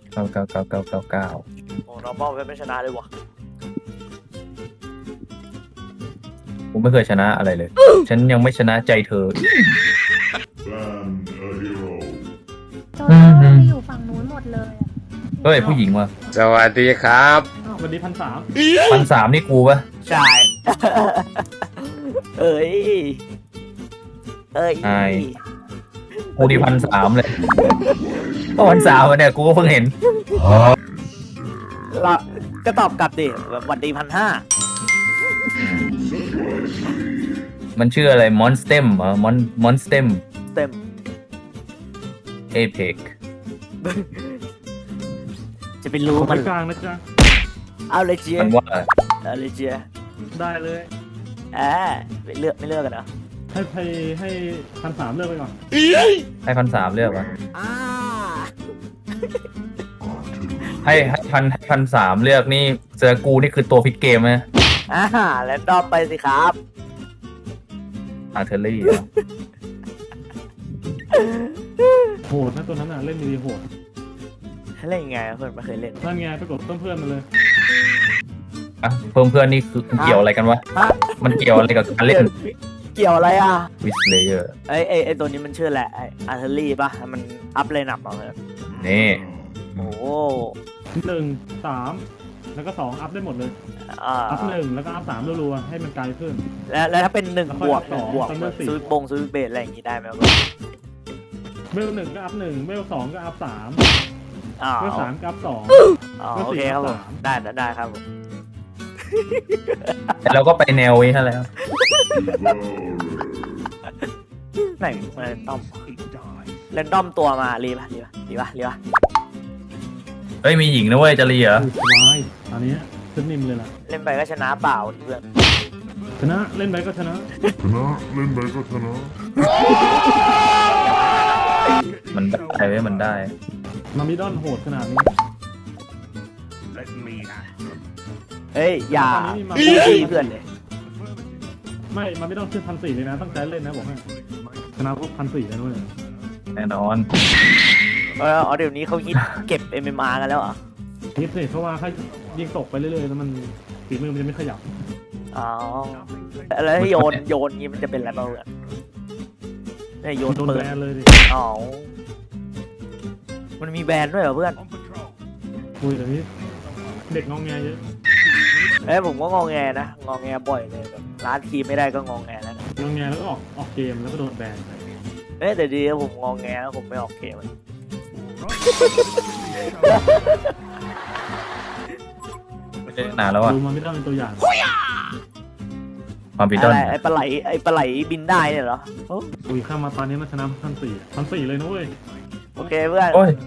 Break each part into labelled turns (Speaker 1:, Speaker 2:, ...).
Speaker 1: 99999
Speaker 2: โอ้ normal ไม่ชนะเลยวะ
Speaker 1: กูไม่เคยชนะอะไรเลย ฉันยังไม่ชนะใจเธอ
Speaker 3: โจโจ้ไปอยู่ฝั่งนู้นหมดเลยอะ
Speaker 1: เฮ้ยผู้หญิงว่ะ
Speaker 4: สวัสดีครับ
Speaker 5: วันนี้1,300
Speaker 1: 1,300นี่กูปะ
Speaker 2: ใช่เอ้ย
Speaker 1: กูดี1,300เลยก็1,300เนี่ยกูก็เพิ่งเห็น
Speaker 2: เราก็ตอบกลับดิแบบวันดี1,500
Speaker 1: มันชื่ออะไรมอนสเต็มเหรอมอนสเต็ม
Speaker 2: เต็ม
Speaker 1: เอเพ็ก
Speaker 2: จะไปรู้
Speaker 5: ขอ
Speaker 2: มั
Speaker 5: ไป
Speaker 2: น
Speaker 5: กลางนะจ๊ะ
Speaker 2: เอาเลยเจีย
Speaker 1: มันว่า
Speaker 2: เอาเลยเจีย
Speaker 5: ได้เลย
Speaker 2: ไม่เลือกกันเหรอ
Speaker 5: ให้1,300เลือกไปก่อน
Speaker 1: ให้1,300เลือกวะ
Speaker 2: อ่า
Speaker 1: ให้1,300เลือกนี่เจอกูนี่คือตัวพลิกเกมไหม
Speaker 2: แล้วดอมไปสิครับ
Speaker 1: อาร์เทอรี่
Speaker 5: โหดนะตัวนั้นน่ะเล่นดีโหด
Speaker 2: เล่นยังไงเพื่อนไม่เคยเล่น
Speaker 5: นั่นไงไปกดต้นเพื่อนมาเลย
Speaker 1: อ่ะเพิ่มเพื่อนนี่คือเกี่ยวอะไรกันวะ
Speaker 2: ฮะ
Speaker 1: มันเกี่ยวอะไรกับการเล่น
Speaker 2: เกี่ยวอะไรอ่ะ
Speaker 1: วิสเลเยอร์
Speaker 2: ไอตัวนี้มันชื่อแหละไออาร์เทอรี่ป่ะมันอัพเลยหนับเอาเลย
Speaker 1: นี่
Speaker 2: โอ้โห
Speaker 5: 1 3แล้วก็2อัพได้หมดเลย อัพ1แล้วก็อัพ3รัวๆให้มันไกลขึ้น
Speaker 2: แล้วถ้าเป็น1
Speaker 5: แล้ว
Speaker 2: บ
Speaker 5: ค่อยว
Speaker 2: ก
Speaker 5: อัพ
Speaker 2: 1 บวก
Speaker 5: สองตอนเลือกสี่
Speaker 2: ซื้อเบสอะไรอย่างงี้ได้ไหมครับ
Speaker 5: เวล1ก็อัพ1เวล2ก็อัพ3
Speaker 2: อ๋อ
Speaker 5: เวล3ก็อัพ2
Speaker 2: อ๋อโอเคครับผมได้ครับผม
Speaker 1: แต่เราก็ไปแนวนี้นั่นแหละ
Speaker 2: ไหนเรนดอมตัวมารีป่ะ
Speaker 1: เฮ้ยมีหญิงนะเว้ยจะรีเหรอ
Speaker 5: สบายอันนี้ขึ้นนิ่มเลยล่ะ
Speaker 2: เล่นไปก็ชนะเปล่าเพื่อน
Speaker 5: ชนะเล่นไปก็ชนะ
Speaker 1: มันได้เว้ยมันได้
Speaker 5: มามิดอนโหดขนาดนี้
Speaker 2: เฮ้ยอย่า
Speaker 5: ตอนนี้มา
Speaker 2: พูดดีเพื่อนเลย
Speaker 5: ไม่มามิดอนขึ้น1,400เลยนะตั้งใจเล่นนะบอกให้ชนะพวก1,400เลยด้วย
Speaker 1: แน่นอน
Speaker 2: เดี๋ยวนี้เขาฮิตเก็บ MMR กันแล้วเหรอ
Speaker 5: ฮิตสิเพราะว่าถ้ายิงตกไปเรื่อยๆแล้วมันฝีมือมันจะไม่ขยับ
Speaker 2: อ๋อแล้วถ้าโยนงี้มันจะเป็นอะไรบ้างเพื่อนเนี่ยโยน
Speaker 5: โดน
Speaker 2: ปื
Speaker 5: แบ
Speaker 2: น
Speaker 5: นเลยดิ
Speaker 2: อ๋อมันมีแบนด้วยเหรอเพื่อน
Speaker 5: คุยเดี๋ยวนี้เด็กงองแงเยอะ
Speaker 2: ผมก็งอแงนะงอแงบ่อยเลยแบบร้านทีมไม่ได้ก็งอแงแล้วนะ
Speaker 5: งองแงแล้วก็ออกเกมแล้วก็โดนแบน
Speaker 2: แต่ดีนะผมงอแงแล้วผมไม่ออกเกมเลย
Speaker 1: ไม่ได้นานแล้วอะ
Speaker 5: ดูมามิดอนเป็นตัวอย่าง
Speaker 1: ความผิดด้
Speaker 2: อะ
Speaker 1: น
Speaker 2: ไรไอ้ปลาไหลบินได้เนี่ยเหรอ
Speaker 5: คุยข้ามมาตอนนี้มันชนะ1,400เลยนะเว้ย
Speaker 2: โอเคเพื่อน
Speaker 1: โอ้ย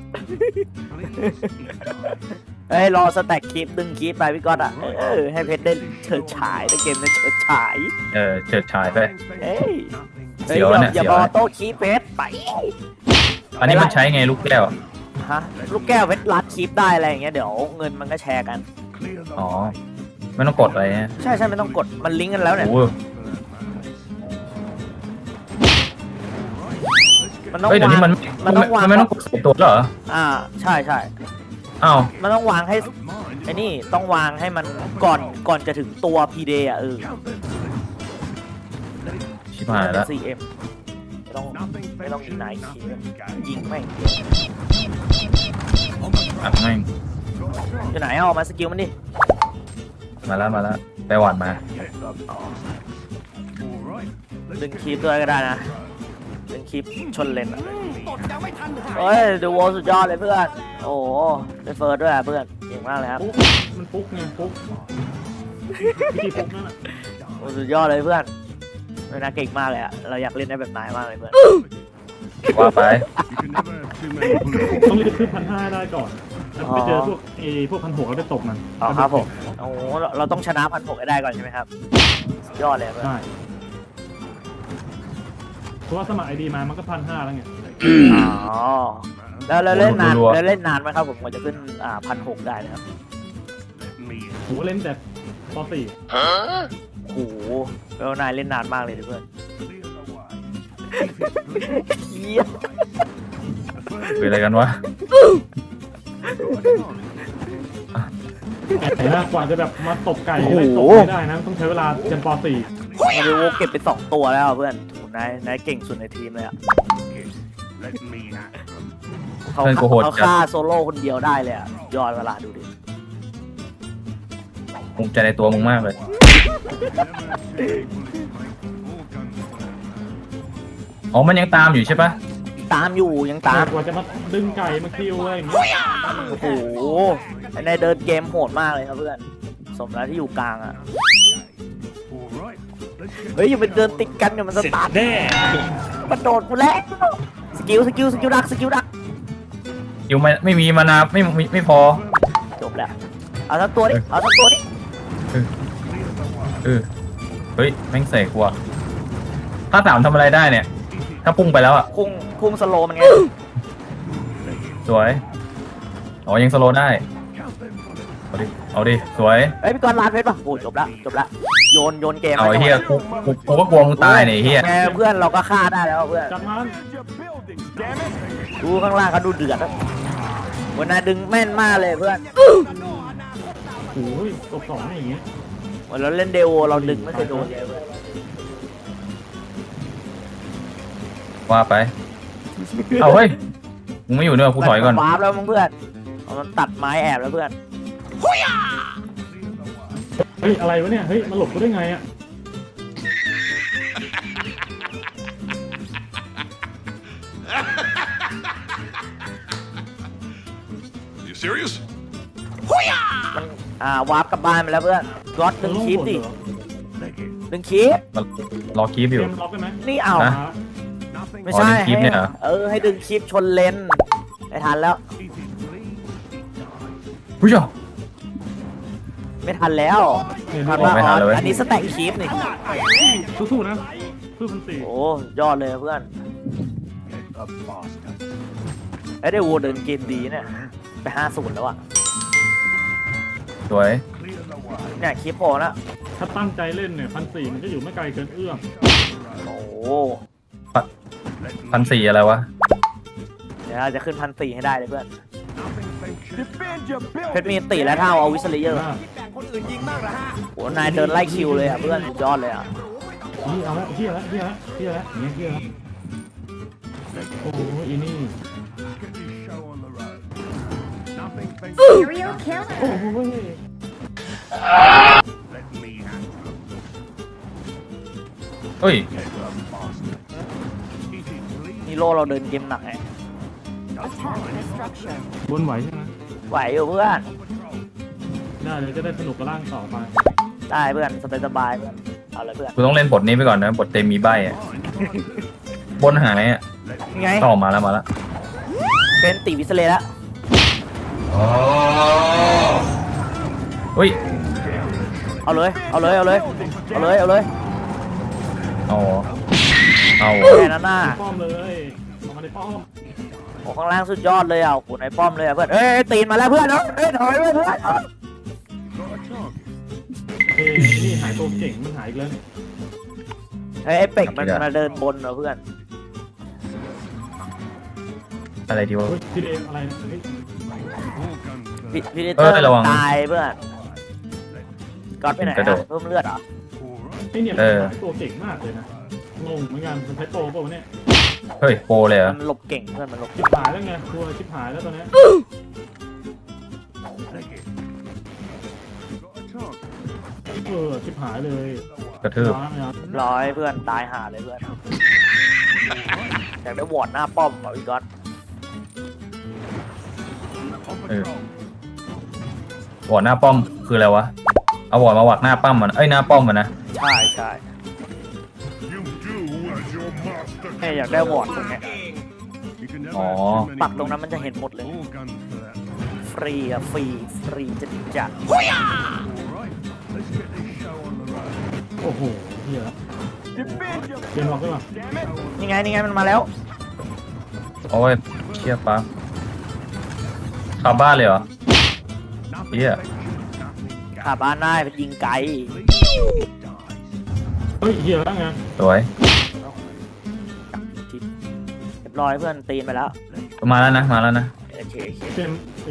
Speaker 2: รอสแต็กคลิปดึงคลิปไปพี่ก๊อตอ่ะให้เพชรได้เฉิดฉายในเกมได้เฉิดฉาย
Speaker 1: เฉิดฉายไป
Speaker 2: เฮ้ย
Speaker 1: เสียวเนี่ย
Speaker 2: อย่า
Speaker 1: เสียว
Speaker 2: บอ
Speaker 1: เนี่ย
Speaker 2: โต้คลิปเพชรไป
Speaker 1: อันนี้มันใช้ไงลูกแก้ว
Speaker 2: ฮะลูกแก้วเพชรรัดคลิปได้อะไรอย่างเงี้ยเดี๋ยวเงินมันก็แชร์กัน
Speaker 1: อ๋อไม่ต้องกดอะไรเนี่ย
Speaker 2: ใช่ไม่ต้องกดมันลิงก์กันแล้วเนี่ย
Speaker 1: โอ้โห
Speaker 2: มันต้อง
Speaker 1: เฮ้ยเดี๋ยว
Speaker 2: วาง
Speaker 1: นี้มันไม่ต้องกดใส่ตัวแล้วเหรอ
Speaker 2: ใช่
Speaker 1: อ้าว
Speaker 2: มันต้องวางให้ไอ้นี่ต้องวางให้มันก่อนจะถึงตัวพีเดย์อ่ะ
Speaker 1: ชิบหายแล้ว
Speaker 2: 4M ไม่ต้องยิงไหนคียิงไม่ง
Speaker 1: อัดแม่ง
Speaker 2: อยู่ไหนเอามาสกิลมันดิ
Speaker 1: มาแล้วไปหวานมา
Speaker 2: ดึงคลิปด้วยก็ได้นะดึงคลิปชนเลนอ่ะเฮ้ยดูโวสุดยอดเลยเพื่อนโอ้โหได้เฟิร์สด้วยเพื่อนเก่งมากเลยครับ
Speaker 5: มันปุ๊กไงปุ๊กวิธีปุ๊กนั่นแหละ
Speaker 2: โอ้สุดยอดเลยเพื่อนเวลาเก่งมากเลยอ่ะเราอยากเล่นได้แบบนายมากเลยเพื่อน
Speaker 1: ว่าไป
Speaker 5: ต้องรีบขึ้น1,500ได้ก่อนแล้วไปเจอพวก1,600แล้วไปตบมัน
Speaker 2: อ๋อครับผมโอ้โหเราต้องชนะ1,600ให้ได้ก่อนใช่ไหมครับสุดยอดเลยเพื่อน
Speaker 5: ใช่เพราะว่าสมัครไอดีมามันก็1,500แล้วไง
Speaker 2: อ๋อแล้วเล่นนานไหมครับผมกว่าจะขึ้น1,600ได้นะครับ
Speaker 5: ผมก็เล่นแต่ป .4
Speaker 2: โอ้โหแล้วนายเล่นนานมากเลยดิเพื่อนเหี้ย
Speaker 1: คืออะไรกันวะ
Speaker 5: แต่ละกว่าจะแบบมาตบไก่ไล่ตบไม่ได้นะต้องใช้เวลาจนป .4
Speaker 2: มาริโอเก็บไป2 ตัวแล้วเพื่อนโหนายเก่งสุดในทีมเลยอ่ะเขาฆ่าโซโล่คนเดียวได้เลยอ่ะยอดเวลาดูดิ
Speaker 1: ภูมิใจในตัวมึงมากเลย อ๋อ มันยังตามอยู่ใช่ปะ
Speaker 2: ตามอยู่ยังตาม
Speaker 5: กว่าจะมาดึงไก่มาคิวอะไรอย่างเงี้ย
Speaker 2: โอ้โหนายเดินเกมโหดมากเลยครับเพื่อนสมแล้วที่อยู่กลางอ่ะเฮ้ยอย่าไปเดินติดกันเดี๋ยวมันสตาร์ทแน่มันโดดกูแล้วสกิลดัก
Speaker 1: อยู่ไม่มีมานาไม่พอ
Speaker 2: จบแล้วเอาทั้งตัวดิเอาทั้งตัวดิ
Speaker 1: เฮ้ยแม่งเสกว่ะถ้าสามทำอะไรได้เนี่ย ถ้าพุ่งไปแล้วอ่ะ
Speaker 2: พุ่งสโลมันไง
Speaker 1: สวย อ๋อ ยังสโลว์ได้ เอาดิ สวย
Speaker 2: เฮ้ยพี่กรณ์ลาดเพชรป่ะโอ้จบละโยนเกม
Speaker 1: เอาไอ้เฮียกูก็กลัวมึงตายเนี่ยไอ้เฮีย
Speaker 2: ไงเพื่อนเราก็ฆ่าได้แล้วเพื่อน
Speaker 5: จับมัน
Speaker 2: ดูข้างล่างเขาดูเดือดแล้ววันนายดึงแม่นมากเลยเพื่อน
Speaker 5: โอ้ยตบ2อย่างเงี้ย
Speaker 2: วันเราเล่นเดโวเราดึงไม่เคยโดนเลยเพื่อน
Speaker 1: ว่าไป เอาเฮ้ย มึงไม่อยู่เนี่ยกูถอยก่อน
Speaker 2: วาร์ปแล้วมึงเพื่อนมันตัดไม้แอบแล้วเพื่อน
Speaker 5: เฮ้ยอะไรวะเนี่ยเฮ้ยมาหลบกูได้ไงอ่ะ
Speaker 4: You serious?
Speaker 2: มันวาร์ปกลับบ้านไปแล้วเพื่อนก๊อตดึงคลิปดิดึงคลิป
Speaker 1: รอคีบ
Speaker 5: เก
Speaker 1: อยู่
Speaker 5: มล็อกได้ไหม
Speaker 2: นี่เอา
Speaker 1: ฮะ
Speaker 2: ไม่ใช่
Speaker 1: ดึงคลิปเนี่ยเหรอ
Speaker 2: ให้ดึงคลิปชนเลนไม่ทันแล้ว
Speaker 1: ผู้ชม
Speaker 2: ไม่ทันแล้ว
Speaker 5: เนี่ย
Speaker 2: ทัน
Speaker 5: ดู
Speaker 2: ว่า
Speaker 1: ไม่ทันเลยเว้ย
Speaker 2: อันนี้สแต็กคลิปนี่
Speaker 5: สู้ๆนะสู้พันสี่
Speaker 2: โอ้ยอดเลยเพื่อนไอ้ได้วัวเดินเกมดีเนี่ยไป50แล้วอ่ะ
Speaker 1: สวย
Speaker 2: เนี่ยคลิปโผล่แล้ว
Speaker 5: ถ้าตั้งใจเล่นเนี่ย1,400มันจะอยู่ไม่ไกลเกินเอื้อม
Speaker 2: โอ้
Speaker 1: 1,400อะไรวะ
Speaker 2: เดี๋ยวเราจะขึ้น1,400ให้ได้เลยเพื่อนเพชรมีตีแล้วเท่าเอาวิสเลเยอร์โอ้นายเดินไล่คิวเลยอ่ะเพื่อนสุดยอดเลยอ่ะ
Speaker 5: นี่เอาละเฮียละอย่างเงี้ยเฮียละโอ้โหอีนี่
Speaker 3: Serial killer
Speaker 5: โอ้โห
Speaker 1: เฮ้ย
Speaker 2: ฮีโร่เราเดินเกมหนักไง
Speaker 5: บนไหวใช่ไหม
Speaker 2: ไหวอยู่เพื่อน
Speaker 5: ได้เลยจะได้สนุกกับร่างต่อไป
Speaker 2: ได้เพื่อนสบายๆเพื่อนเอาเลยเพื่อน
Speaker 1: กูต้องเล่นบทนี้ไปก่อนนะ บทเต็มมีใบอ่ะ บนหายอ่ะ
Speaker 2: ไง
Speaker 1: ต่อมาแล้ว
Speaker 2: เป็นตีวิสเลแล้ว
Speaker 1: เฮ้ย
Speaker 2: เอาเลย
Speaker 1: เอา
Speaker 2: เอา
Speaker 1: เหรอ
Speaker 2: แค่นั้นน่ะ
Speaker 5: ป้อมเลยออกมาในป้อม
Speaker 2: โอ้ข้างล่างสุดยอดเลยอ่ะโอ้ในป้อมเลยอ่ะเพื่อนเอ้ยตีนมาแล้วเพื่อนถอยไปเพื่อน
Speaker 5: เฮ้ยนี่หายตัวเก่งมันหายอีกแล้วเนี่ย
Speaker 2: ไอ้เป็กมันมาเดินบนเหรอเพื่อน
Speaker 1: อะไรดีวะ
Speaker 5: เฮ้ยทีเดอะไรนะเฮ้ย
Speaker 2: พิเดเตอร์
Speaker 1: ระวัง
Speaker 2: ตายเพื่อนก๊อตไปไหน
Speaker 1: กระโดด
Speaker 2: เพิ่มเลือดเหรอ
Speaker 5: ไอ้เนี่ยมันหายตัวเก่งมากเลยนะงงเหมือนกันมันใช้โปรเปล่าวะเนี่ย
Speaker 1: เฮ้ย โปรเลยเหรอ
Speaker 2: มันหลบเก่งเพื่อนมันหลบ
Speaker 5: ชิบหายแล้วไงตัวชิบหายแล้วตอนเนี้ยชิบหายเลย
Speaker 1: กระทืบ
Speaker 2: ร้อยเพื่อนตายห่าเลยเพื่อนอยากได้วอร์ดหน้าป้อมเหรอพี่ก๊อต
Speaker 1: วอร์ดหน้าป้อมคืออะไรวะ เอาวอร์ดมาวักหน้าป้อมมัน หน้าป้อมมันนะ
Speaker 2: ใช่แม่อยากได้วอร์ดตรงเนี้ย
Speaker 1: อ๋อ
Speaker 2: ปักตรงนั้นมันจะเห็นหมดเลย ฟรีอะฟรีจะจัด
Speaker 5: โอ้โหเฮียเกมล็อกได้ป่ะ
Speaker 2: นี่ไงมันมาแล้ว
Speaker 1: โอ้ยเชี่ยปั๊บขับบ้านเลยเหรอเฮีย
Speaker 2: ขาบ้านได้เป็นยิงไกล
Speaker 5: เฮ้ยเฮียแล้วไง
Speaker 1: สวย
Speaker 2: เรียบร้อยเพื่อนตีนไปแล้ว
Speaker 1: มาแล้วนะ
Speaker 2: คเค
Speaker 5: เต็มตี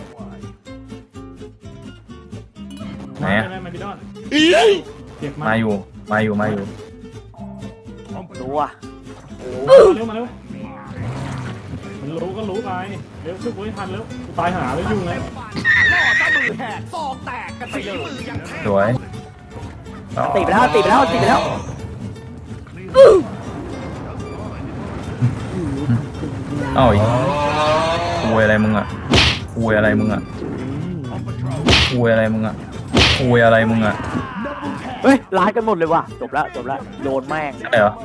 Speaker 1: ไหน
Speaker 5: มา
Speaker 1: อะ
Speaker 5: ได้ไหมมาพี่ดอนเก็บมา
Speaker 1: มาอยู่มาอยู่
Speaker 2: รู้ว่ะ
Speaker 5: เร็วมาเร็วมันรู้ก็รู้ไปเร็วช่วยกูให้ทันเร็วกูตายหาแล้วยุ่งไง
Speaker 1: สวย
Speaker 2: ตีไปแล้วตีไปแล้วตีไปแล้ว
Speaker 1: เอ้าอีกคุยอะไรมึงอ่ะคุยอะไรมึงอ่ะคุยอะไรมึงอ่ะคุยอะไรมึงอ่ะ
Speaker 2: เฮ้ยร้ายกันหมดเลยว่ะจบแล้วโดนแม่ง
Speaker 1: ใช่เหรอ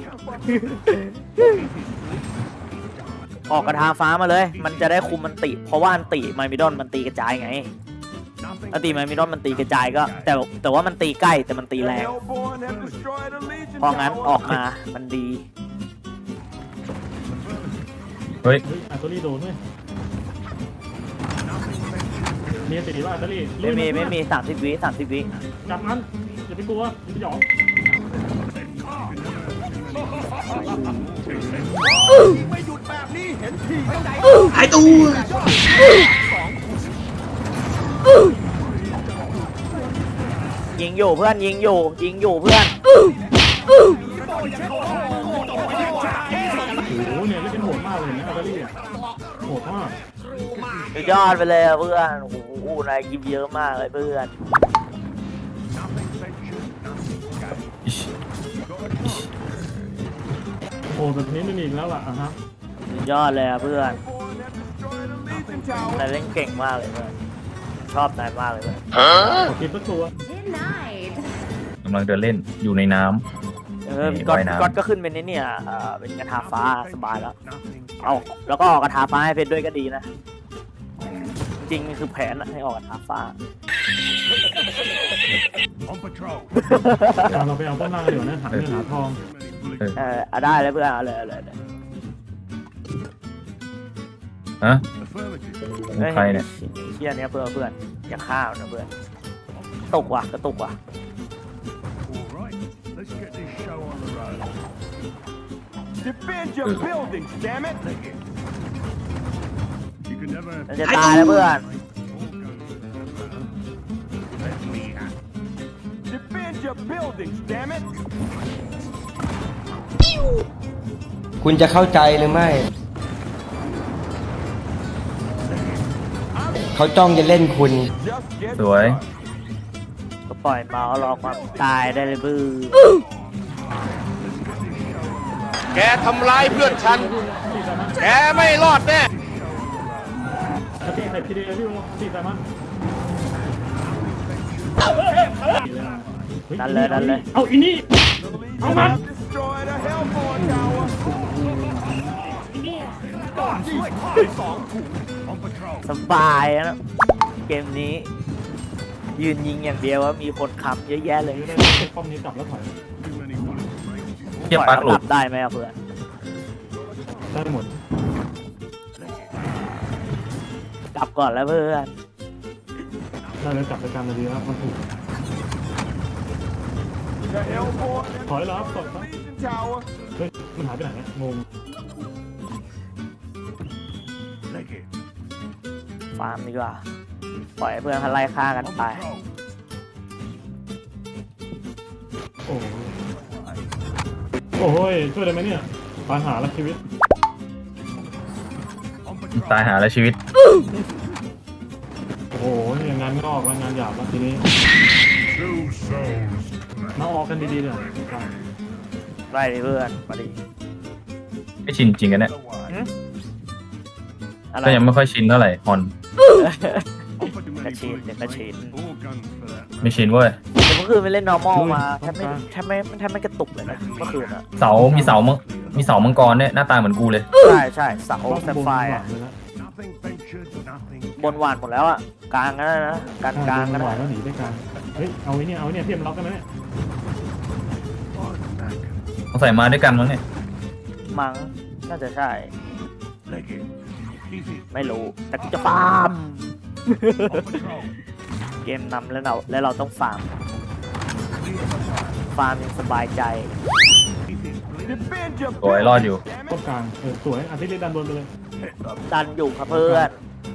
Speaker 2: ออกกระทาฟ้ามาเลย มันจะได้คุมมันติเพราะว่าอันติไมมิดอนมันตีกระจายไงอันติไมมิดอนมันตีกระจายก็ แต่ว่ามันตีใกล้แต่มันตีแรงเพราะงั้นออกมามันดี
Speaker 1: เฮ้ย
Speaker 5: เฮ้ยอาร์ตอรี่โดนด้วยมีตีว่าอาร์ตอรี่
Speaker 2: ไม่มี30 วิ
Speaker 5: จับมันอย่าไปกลัวอย่าไปหยองหายตัว
Speaker 2: ยิงอยู่เพื่อนยิงอยู่เพื่อน
Speaker 5: โอ้โหเนี่ยเล่นเป็นโหดมากเลยนะอาร์ตอรี่อ่ะโหดมาก
Speaker 2: สุดยอดไปเลยเพื่อนโอ้โหนายกิฟเยอะมากเลยเพื่อน
Speaker 1: อิช
Speaker 5: โหดแบบนี้ไม่มีอีกแล้วล่ะอ่ะฮะ
Speaker 2: สุดยอดเลยเพื่อนนายเล่นเก่งมากเลยเพื่อนชอบนายมากเลยเพื่อน
Speaker 5: ขอกินสักตัว
Speaker 1: กำลังเดินเล่นอยู่ในน้
Speaker 2: พี่
Speaker 1: ว่ายน้ำ
Speaker 2: ก๊อตก็ขึ้นเป็นเนี่ยเป็นกระทาฟ้าสบายแล้วเอาแล้วก็ออกกระทาฟ้าให้เพชรด้วยก็ดีนะจริงๆคือแผนอะให้ออกกระทาฟ้า
Speaker 4: On patrol.
Speaker 5: เราไปเอาต้นไม้เดี๋ยวนะหาเงินหาทอง
Speaker 2: เอาได้เลยเพื่อนเอาเลย
Speaker 1: ำฮะ
Speaker 4: Affirmative.
Speaker 1: มึงใครเนี่ย
Speaker 2: เชี่ยเนี้ยเพื่อนอย่าฆ่ามันนะเพื่อนตกว่ะกระตุกว่ะ
Speaker 4: All right. Let's get this show on the road.
Speaker 6: Defend your buildings, damn it!
Speaker 4: You can never
Speaker 2: มันจะตายแล้วเพื่อน
Speaker 4: let me out.
Speaker 6: Defend your buildings, damn it!
Speaker 7: คุณจะเข้าใจหรือไม่ เขาจ้องจะเล่นคุณ
Speaker 6: Just get
Speaker 1: สวย
Speaker 2: ก็ปล่อยเมาส์รอความตายได้เลยเพื่อน
Speaker 8: แกทำร้ายเพื่อนฉัน แกไม่รอดแน่
Speaker 5: ตีใส่พีเดียพี่โอตีใส่มัน
Speaker 2: ดันเลย
Speaker 5: เอาอีนี่เอามัน
Speaker 6: destroyed a Hellborn tower!
Speaker 4: On patrol.
Speaker 2: สบายนะเกมนี้ ยืนยิงอย่างเดียวว่ามีคนค้ำเยอะแยะเลย
Speaker 5: ป้อมนี้กลับแล้วถอย
Speaker 4: Too many bullets to break this.
Speaker 1: เทียบ
Speaker 2: ปล่
Speaker 1: ปั
Speaker 2: อย
Speaker 1: ก
Speaker 2: เขา
Speaker 1: หลุ
Speaker 2: กลั
Speaker 1: ด
Speaker 2: บได้ไหมอะเพื่อน
Speaker 5: ได้หมด
Speaker 2: กลับก่อนแล้วเพื่อน
Speaker 5: ได้แล้วกลับไปการนาทีแล้วมันถูก
Speaker 6: The Hellborn
Speaker 5: ถอยแล้วครับถอยครับ
Speaker 6: Legion tower!
Speaker 5: เฮ้ยมันหายไปไหนเนี่ยงง
Speaker 4: Leg it.
Speaker 2: ฟาร์มดีกว่า ปล่อยให้เพื่อนเขาไล่ฆ่ากัน
Speaker 4: On
Speaker 2: ไป
Speaker 4: patrol.
Speaker 5: โอ้โหโอ้ยช่วยได้ไหมเนี่ยปัญหาละชีวิต
Speaker 4: On patrol.
Speaker 1: ตายหาแล้วชีวิต
Speaker 5: โอ้โหเนี่ยงานงอกแล้วงานหยาบแล้วทีนี้
Speaker 4: Two souls.
Speaker 5: มาออกกันดีๆเลย
Speaker 2: ไล่ดิเพื่อนมาดิ
Speaker 1: ไม่ชินจริงกันเนี่ย
Speaker 2: อะไร
Speaker 1: ก็ยังไม่ค่อยชินเท่าไหร่ฮอน
Speaker 4: On for too many
Speaker 2: That's it,
Speaker 4: bullets to
Speaker 2: that's
Speaker 4: break.
Speaker 2: it.
Speaker 4: All guns for that.
Speaker 1: ไม่ชินเว้ย
Speaker 2: แต่เมื่อคืนไปเล่น normal มาแทบไม่กระตุกเลยนะเมื่อคืนอะ
Speaker 1: เสามีเสามังกรเนี่ยหน้าตาเหมือนกูเลย
Speaker 2: ใช่เสาแซฟไฟร์อะ
Speaker 4: Nothing ventured, nothing
Speaker 2: บนหวานหมดแล้วอะกลางกันนะกลางกัน
Speaker 5: ห
Speaker 2: นะ
Speaker 5: วานแล้วหนีได้กลางเฮ้ยเอาไว้เนี่ยพี่เอ็มล็อกกันไหมเนี่ย
Speaker 1: ต้องใส่มาด้วยกันมั้งเนี่ย
Speaker 2: มั้งน่าจะใช่
Speaker 4: leg it. Easy.
Speaker 2: ไม่รู้ แต่กูจะฟาร์ม
Speaker 4: On patrol.
Speaker 2: เกมนำแล้วเราต้องฟาร์ม ฟาร์มยังสบายใจ
Speaker 4: Easy.
Speaker 6: Defend your
Speaker 1: สวยรอดอยู่
Speaker 6: damn
Speaker 5: ต้
Speaker 6: it!
Speaker 5: นกลางสวยอาทิตย์ดันบนไปเลย
Speaker 2: ดันอยู่ครับเพื่อน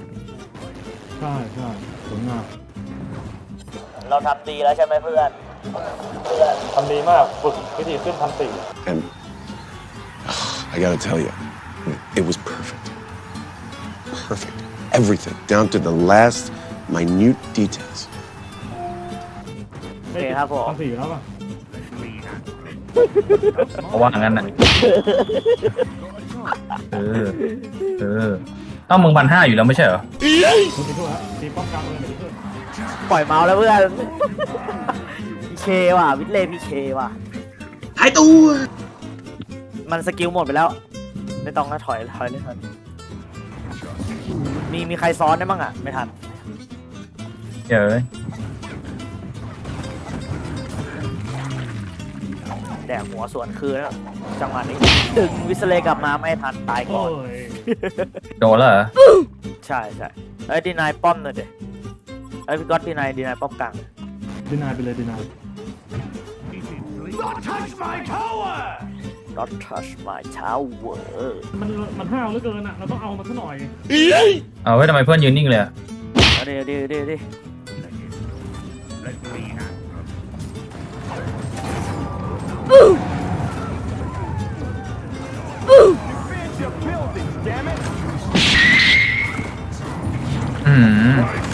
Speaker 5: ใช่สวยงาม
Speaker 2: เราทำดีแล้วใช่ไหมเพื่อน
Speaker 5: ทำดีมากฝึกวิธีขึ้น1,400
Speaker 9: And I gotta tell you, it was perfect. Perfect. Everything, down to the last minute details.
Speaker 2: โอเคครับผม
Speaker 5: 1,400แล้วป่ะ
Speaker 1: เพราะว่างั้นน่ะเอ้ามึง1,500อยู่แล้วไม่ใช่เหรอ
Speaker 5: คุณไปทั่วครับตีป้อมกลางเลยเดี๋ยวเพื่อน
Speaker 2: ปล่อยเมาส์แล้วเพื่อน พีเคว่ะวิทเลพีเคว่ะ
Speaker 7: หายตัว
Speaker 2: มันสกิลหมดไปแล้ว ไม่ต้องนะถอยเลยมีใครซ้อนได้บ้างอ่ะ ไม่ทัน
Speaker 1: เดี๋ยว
Speaker 2: แดกหัวสวนคืนแล้วจังหวะนี้ดึงวิสเลกลับมาไม่ทันตายก่
Speaker 5: โอ้
Speaker 2: อน
Speaker 5: ย
Speaker 1: โดนแล้วเหรอ
Speaker 2: ใช่เอ้ยดีนายป้อมหน่อยดิเอ้ยพี่ก๊อตดีนายป้อมกลาง
Speaker 5: ดีนายไปเลยดีนาย
Speaker 6: Not touch my tower!
Speaker 2: Not touch my tower
Speaker 5: มันห้าวเหลือเกินอ่ะเราต้องเอามันซะหน่อย
Speaker 1: เอาไว้ทำไมเพื่อนยืนนิ่งเลยอะ
Speaker 2: เอาดิ
Speaker 6: Defend your buildings, damn it!
Speaker 1: อืม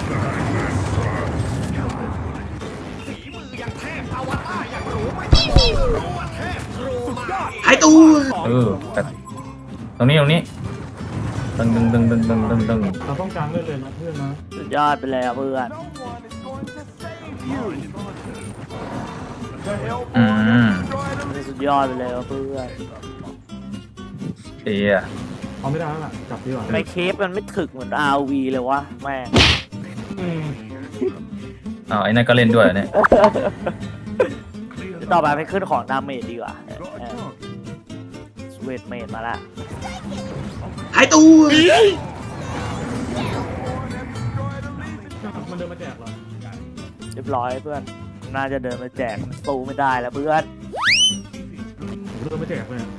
Speaker 7: หายตัว
Speaker 1: แต่ตรงนี้ตึง
Speaker 5: เราต้องกลางเล่นเลยนะเพื่อนนะ
Speaker 2: สุดยอดไปเลยอ่ะเพื่อน
Speaker 6: No one is going to save you. The Hellborn
Speaker 1: Mm.
Speaker 6: have destroyed them.
Speaker 2: สุดยอดไปเลยอ่ะเพื่อน
Speaker 1: เอีย
Speaker 5: เอาไม่ได้แล้วล่ะกลับดีกว่า
Speaker 2: ไม่เคปมันไม่ถึกเหมือน RV เลยวะแม่ง
Speaker 5: อืม
Speaker 1: อ้าวไอ้นั่นก็เล่นด้วยเนี่ย
Speaker 2: ต่อไปไปขึ้นของดาเมจดีกว่าสเวทเมจมาละ
Speaker 7: หายตัว
Speaker 5: มันเดินมาแจกเหรอ
Speaker 2: เรียบร้อยเพื่อน น่าจะเดินมาแจกมันสู้ไม่ได้แล้วเพื่อน
Speaker 5: ผมเดินมาแจกเลยอะ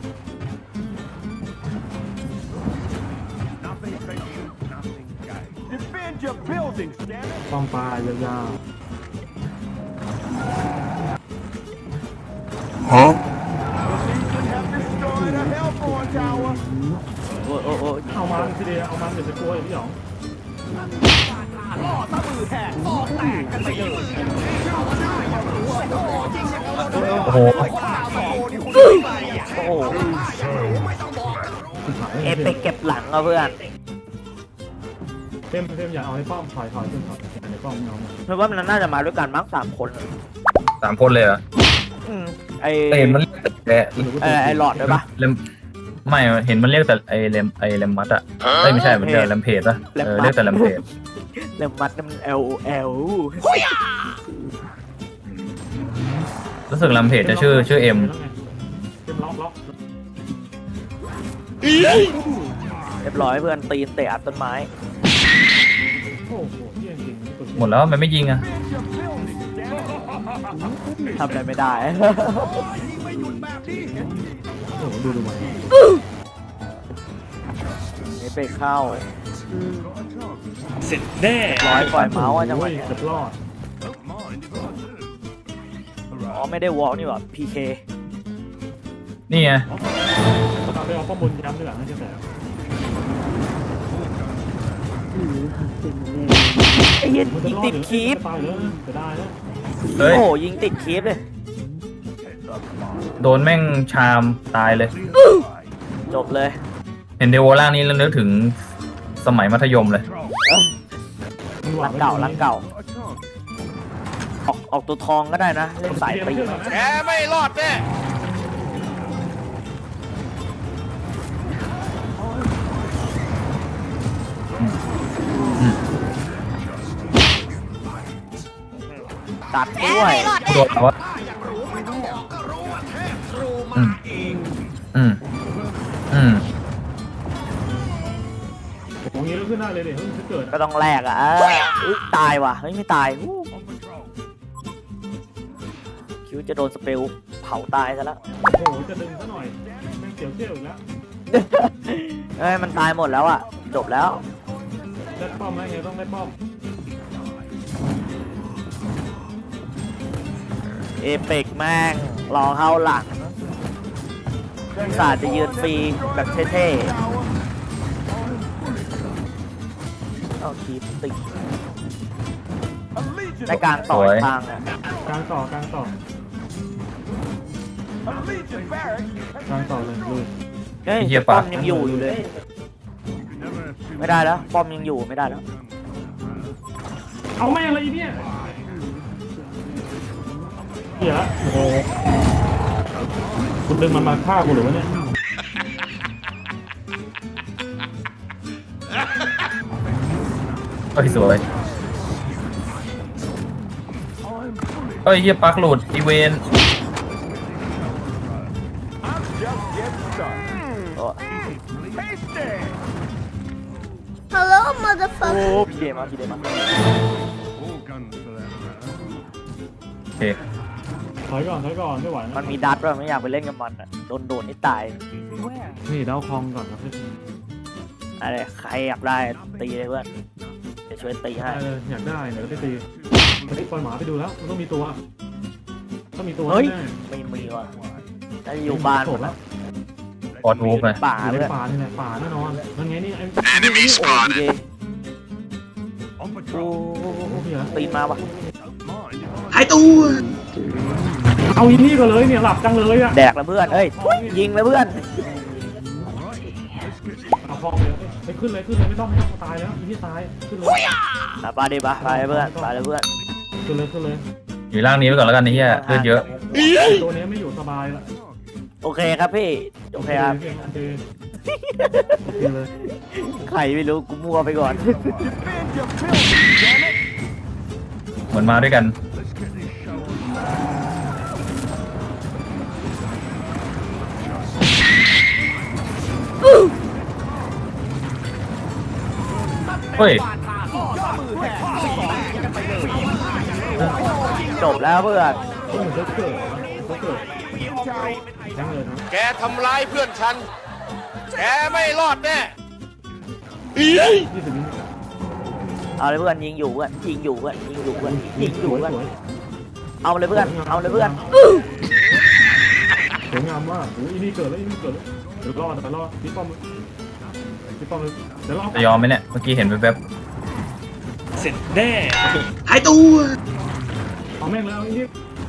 Speaker 4: Nothing patient, nothing gained.
Speaker 6: Defend your buildings, damn it!
Speaker 5: ป้อมปลายยาว
Speaker 6: Have destroyed a Hellborn tower.
Speaker 2: โอ้
Speaker 5: ๆเอามันทีเดียวเอามันเดี๋ยวจะกลัวอย่างพี่หยอง
Speaker 1: โอ้โห
Speaker 2: โอ้โหเอฟไปเก็บหลังอ่ะเพื่อน
Speaker 5: เต็มอย่าเอาในป้อมถอยขึ้นถอยในป้อมน้อง
Speaker 2: เพราะว่ามันน่าจะมาด้วยกันมั้ง3 คน
Speaker 1: 3 คนเลยเหรอ
Speaker 2: ไอ
Speaker 1: แต่เห็นมันเรียกแต่
Speaker 2: ไอหลอดด้วยปะ
Speaker 1: เลมไม่เห็นมันเรียกแต่ไอเลมมัดอะไม่ใช่มันเรียกแลมเพจปะเรียกแต่แลมเพจ
Speaker 2: เริ่มมัดมัน L
Speaker 1: รู้สึกแลมเพจจะชื่อเอ็ม
Speaker 5: เต็มล็อก
Speaker 2: เรียบร้อยเพื่อนตีนเตะอัดต้นไม้
Speaker 5: โอ้โหเยี่ยจริง
Speaker 1: หมดแล้วมันไม่ยิงอะ
Speaker 2: ทำอะไรไม่ได้
Speaker 5: โอ้โหดูมัน
Speaker 2: นี่ไปเข้า
Speaker 5: เสร็จแน่
Speaker 2: ร้อยปล่อยเมาส์อ่ะจังหวะ
Speaker 5: เกื
Speaker 2: เนี้ย
Speaker 5: อบรอด
Speaker 2: อ๋อไม่ได้วอล์กนี่หว่า PK
Speaker 1: นี่ไง
Speaker 5: ตอนไปเอาข้อมูลย้ำด้วยหลังนั่นจะแต่
Speaker 2: ไอ้เหี้ยยิงติดคีป
Speaker 5: ตายเลยจะได้นะ
Speaker 1: เฮ้ย
Speaker 2: โอ้โหยิงติดคีปเลย
Speaker 1: โดนแม่งชามตายเลย
Speaker 2: จบเลย
Speaker 1: เห็นเดโวล่างนี้แล้วนึกถึงสมัยมัธยมเลย
Speaker 2: หลังเก่าออกตัวทองก็ได้นะ เล่นสายปีก
Speaker 8: แกไม่รอดแน่
Speaker 2: ตัดด้วย
Speaker 1: โดนแล้ววะอืม
Speaker 5: ของนี้แล้วขึ้นได้เลยเดี๋ยวจะเกิด
Speaker 2: ก็ต้องแลกอ่ะอุ๊ยตายว่ะเฮ้ยไม่ตายอู้คิดวาจะโดนสเปลเผาตายซะแล้ว
Speaker 5: โอ้โหจะดึงซะหน่อยแม่งเสียวเที่ยวอีกแล้ว
Speaker 2: เอ้ยมันตายหมดแล้วอ่ะจบแล้ว
Speaker 5: ได้ป้อมไหมไงต้องได้ป้อม
Speaker 2: เอเปกแม่งรอเข้าหลังศาสตร์จะยืนฟรีแบบเท่ๆเอาคีบติดในการต่อยทางอะ
Speaker 5: กลางต่อกลางต่อ
Speaker 6: A Legion barracks
Speaker 5: กลางต่อเลยลุย
Speaker 2: เฮ้ย
Speaker 1: ไอ้เหี้ย
Speaker 2: ป้อ
Speaker 1: ปะ
Speaker 2: มยังอยู่เลย ไม่ได้แล้วป้อมยังอยู่ไม่ได้แล้ว
Speaker 5: เอาไม่อะไรอีเนี่ยเหี้ยโอ้โหคุณดึงมันมาฆ่ากูหรือวะเนี่ย
Speaker 1: เฮ้ยสวยเฮ้ยเฮียปักหลุดอีเวน
Speaker 6: I'm just getting started.
Speaker 2: โอ้
Speaker 6: Tasty!
Speaker 3: Hello
Speaker 2: โอ้
Speaker 3: motherfucker
Speaker 2: พี่เดมาพี่เดมา
Speaker 4: All guns for that matter.
Speaker 1: โอเค
Speaker 5: ถอยก่อนไม่ไหว
Speaker 2: มันมีดัตด้วยไม่อยากไปเล่นกับมันอ่ะโดนนี่ตาย
Speaker 5: นี่เดาคองก่อนครับพี่
Speaker 2: อะไรใครอยากได้ตีเลยเพื่อนจะช่วยตีให้
Speaker 5: อยากได้เดี๋ยวไปตีไปปล่อยหมาไปดูแล้วมันต้องมีตัวต้องมีตัว
Speaker 2: เฮ้ย
Speaker 5: แน่
Speaker 2: ไม่มีว่ะถ้าอยู่บ้าน
Speaker 5: จบแล้ว
Speaker 1: ปอดวูฟเลย
Speaker 2: ป่า
Speaker 5: อยู่
Speaker 2: เพื่
Speaker 5: ใน
Speaker 2: อน
Speaker 5: ป่านี่แหละป่าแน่นอนนั่นไงนี่ไอ้
Speaker 2: โอ้ยเด
Speaker 4: On
Speaker 2: โอ้
Speaker 4: patrol.
Speaker 5: โอ้เหี้ย
Speaker 2: ตีนมาว่ะ
Speaker 4: Mind if I
Speaker 7: หายตัว
Speaker 5: เอาอีนี่ก็เลยเนี่ยหลับจังเลยอ่ะ
Speaker 2: แดกแล้วเพื่อนเอ้ยยิงแล้วเพื่อน
Speaker 5: เอาคองเลยไปขึ้นเลยไม่ต้องตายแล้วอีนี่ตายขึ้นเลย
Speaker 2: ไปดิปะไปเพื่อนไปเลยเพื่อน
Speaker 5: ขึ้นเลย
Speaker 1: อยู่ล่างนี้ไว้ก่อนแล้วกันไอ้เฮียเลือดเยอะ
Speaker 5: ตัวนี้ไม่อยู่สบายละ
Speaker 2: โอเคครับพี่โอเคครับ
Speaker 5: โอเคเลย
Speaker 2: ใครไม่รู้กูมั่วไปก่อน
Speaker 6: defend your building, damn it!
Speaker 1: เหมือนมาด้วยกัน
Speaker 4: let's get this show on.
Speaker 1: เฮ้ย
Speaker 2: จบแล้วเพื่อน
Speaker 5: โอ้โหเกิดทั้งเลยนะ
Speaker 8: แกทำร้ายเพื่อนฉัน แกไม่รอดแน่
Speaker 5: 20 วิ
Speaker 2: เอาเลยเพื่อนยิงอยู่เพื่อนยิงอยู่เพื่อนยิงอยู่เพื่อนยิงอยู่เพื่อน
Speaker 5: สวย
Speaker 2: เอาเลยเพื่อนเอาเลยเพื่อน
Speaker 5: สวยงามมากโอ้ยอีนี่เกิดแล้วเดี๋ยวรอดพี่ป้อมเลยเดี๋ยวรอ
Speaker 1: จะยอมไหมเนี่ย เมื่อกี้เห็นแวบ
Speaker 7: หายตัว
Speaker 5: เอาแม่งแล้วอีนี่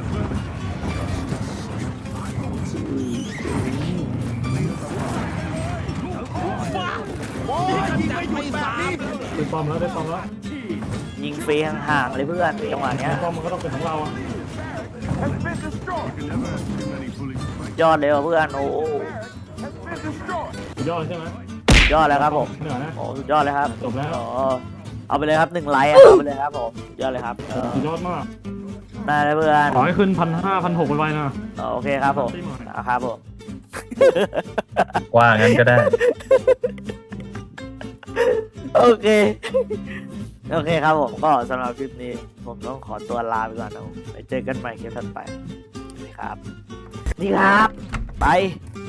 Speaker 5: ได้ป้อมแล้ว
Speaker 2: ยิงฟรีห่างๆเลยเพื่อนจังหวะเนี้ย
Speaker 5: ป้อมมันก็ต้องเป็นของเราอ่ะ
Speaker 6: Has been destroyed.
Speaker 4: You can never have too many bullets to make.
Speaker 2: ยอดเลยว่ะเพื่อนโอ้โห
Speaker 6: Has been destroyed.
Speaker 5: สุดยอดใช่ไหม
Speaker 2: ยอดเลยครับผม
Speaker 5: เหนื่อยนะ
Speaker 2: โอ้สุดยอดเลยครับ
Speaker 5: จบแล้ว
Speaker 2: อ๋อเอาไปเลยครับ1 ไลค์เอาไปเลยครับผมสุดยอดเลยครับ
Speaker 5: สุดยอดมาก
Speaker 2: ได้เลยเพื่อน
Speaker 5: ขอให้ขึ้น1,500 1,600ไปนะ
Speaker 2: โอเคครับผมครับผม
Speaker 1: ๆว่างั้นก็ได้
Speaker 2: โอเคโอเคครับผมก็สำหรับคลิปนี้ผมต้องขอตัวลาไปก่อนนะผมไปเจอกันใหม่คลิปถัดไปนี่ครับ ไป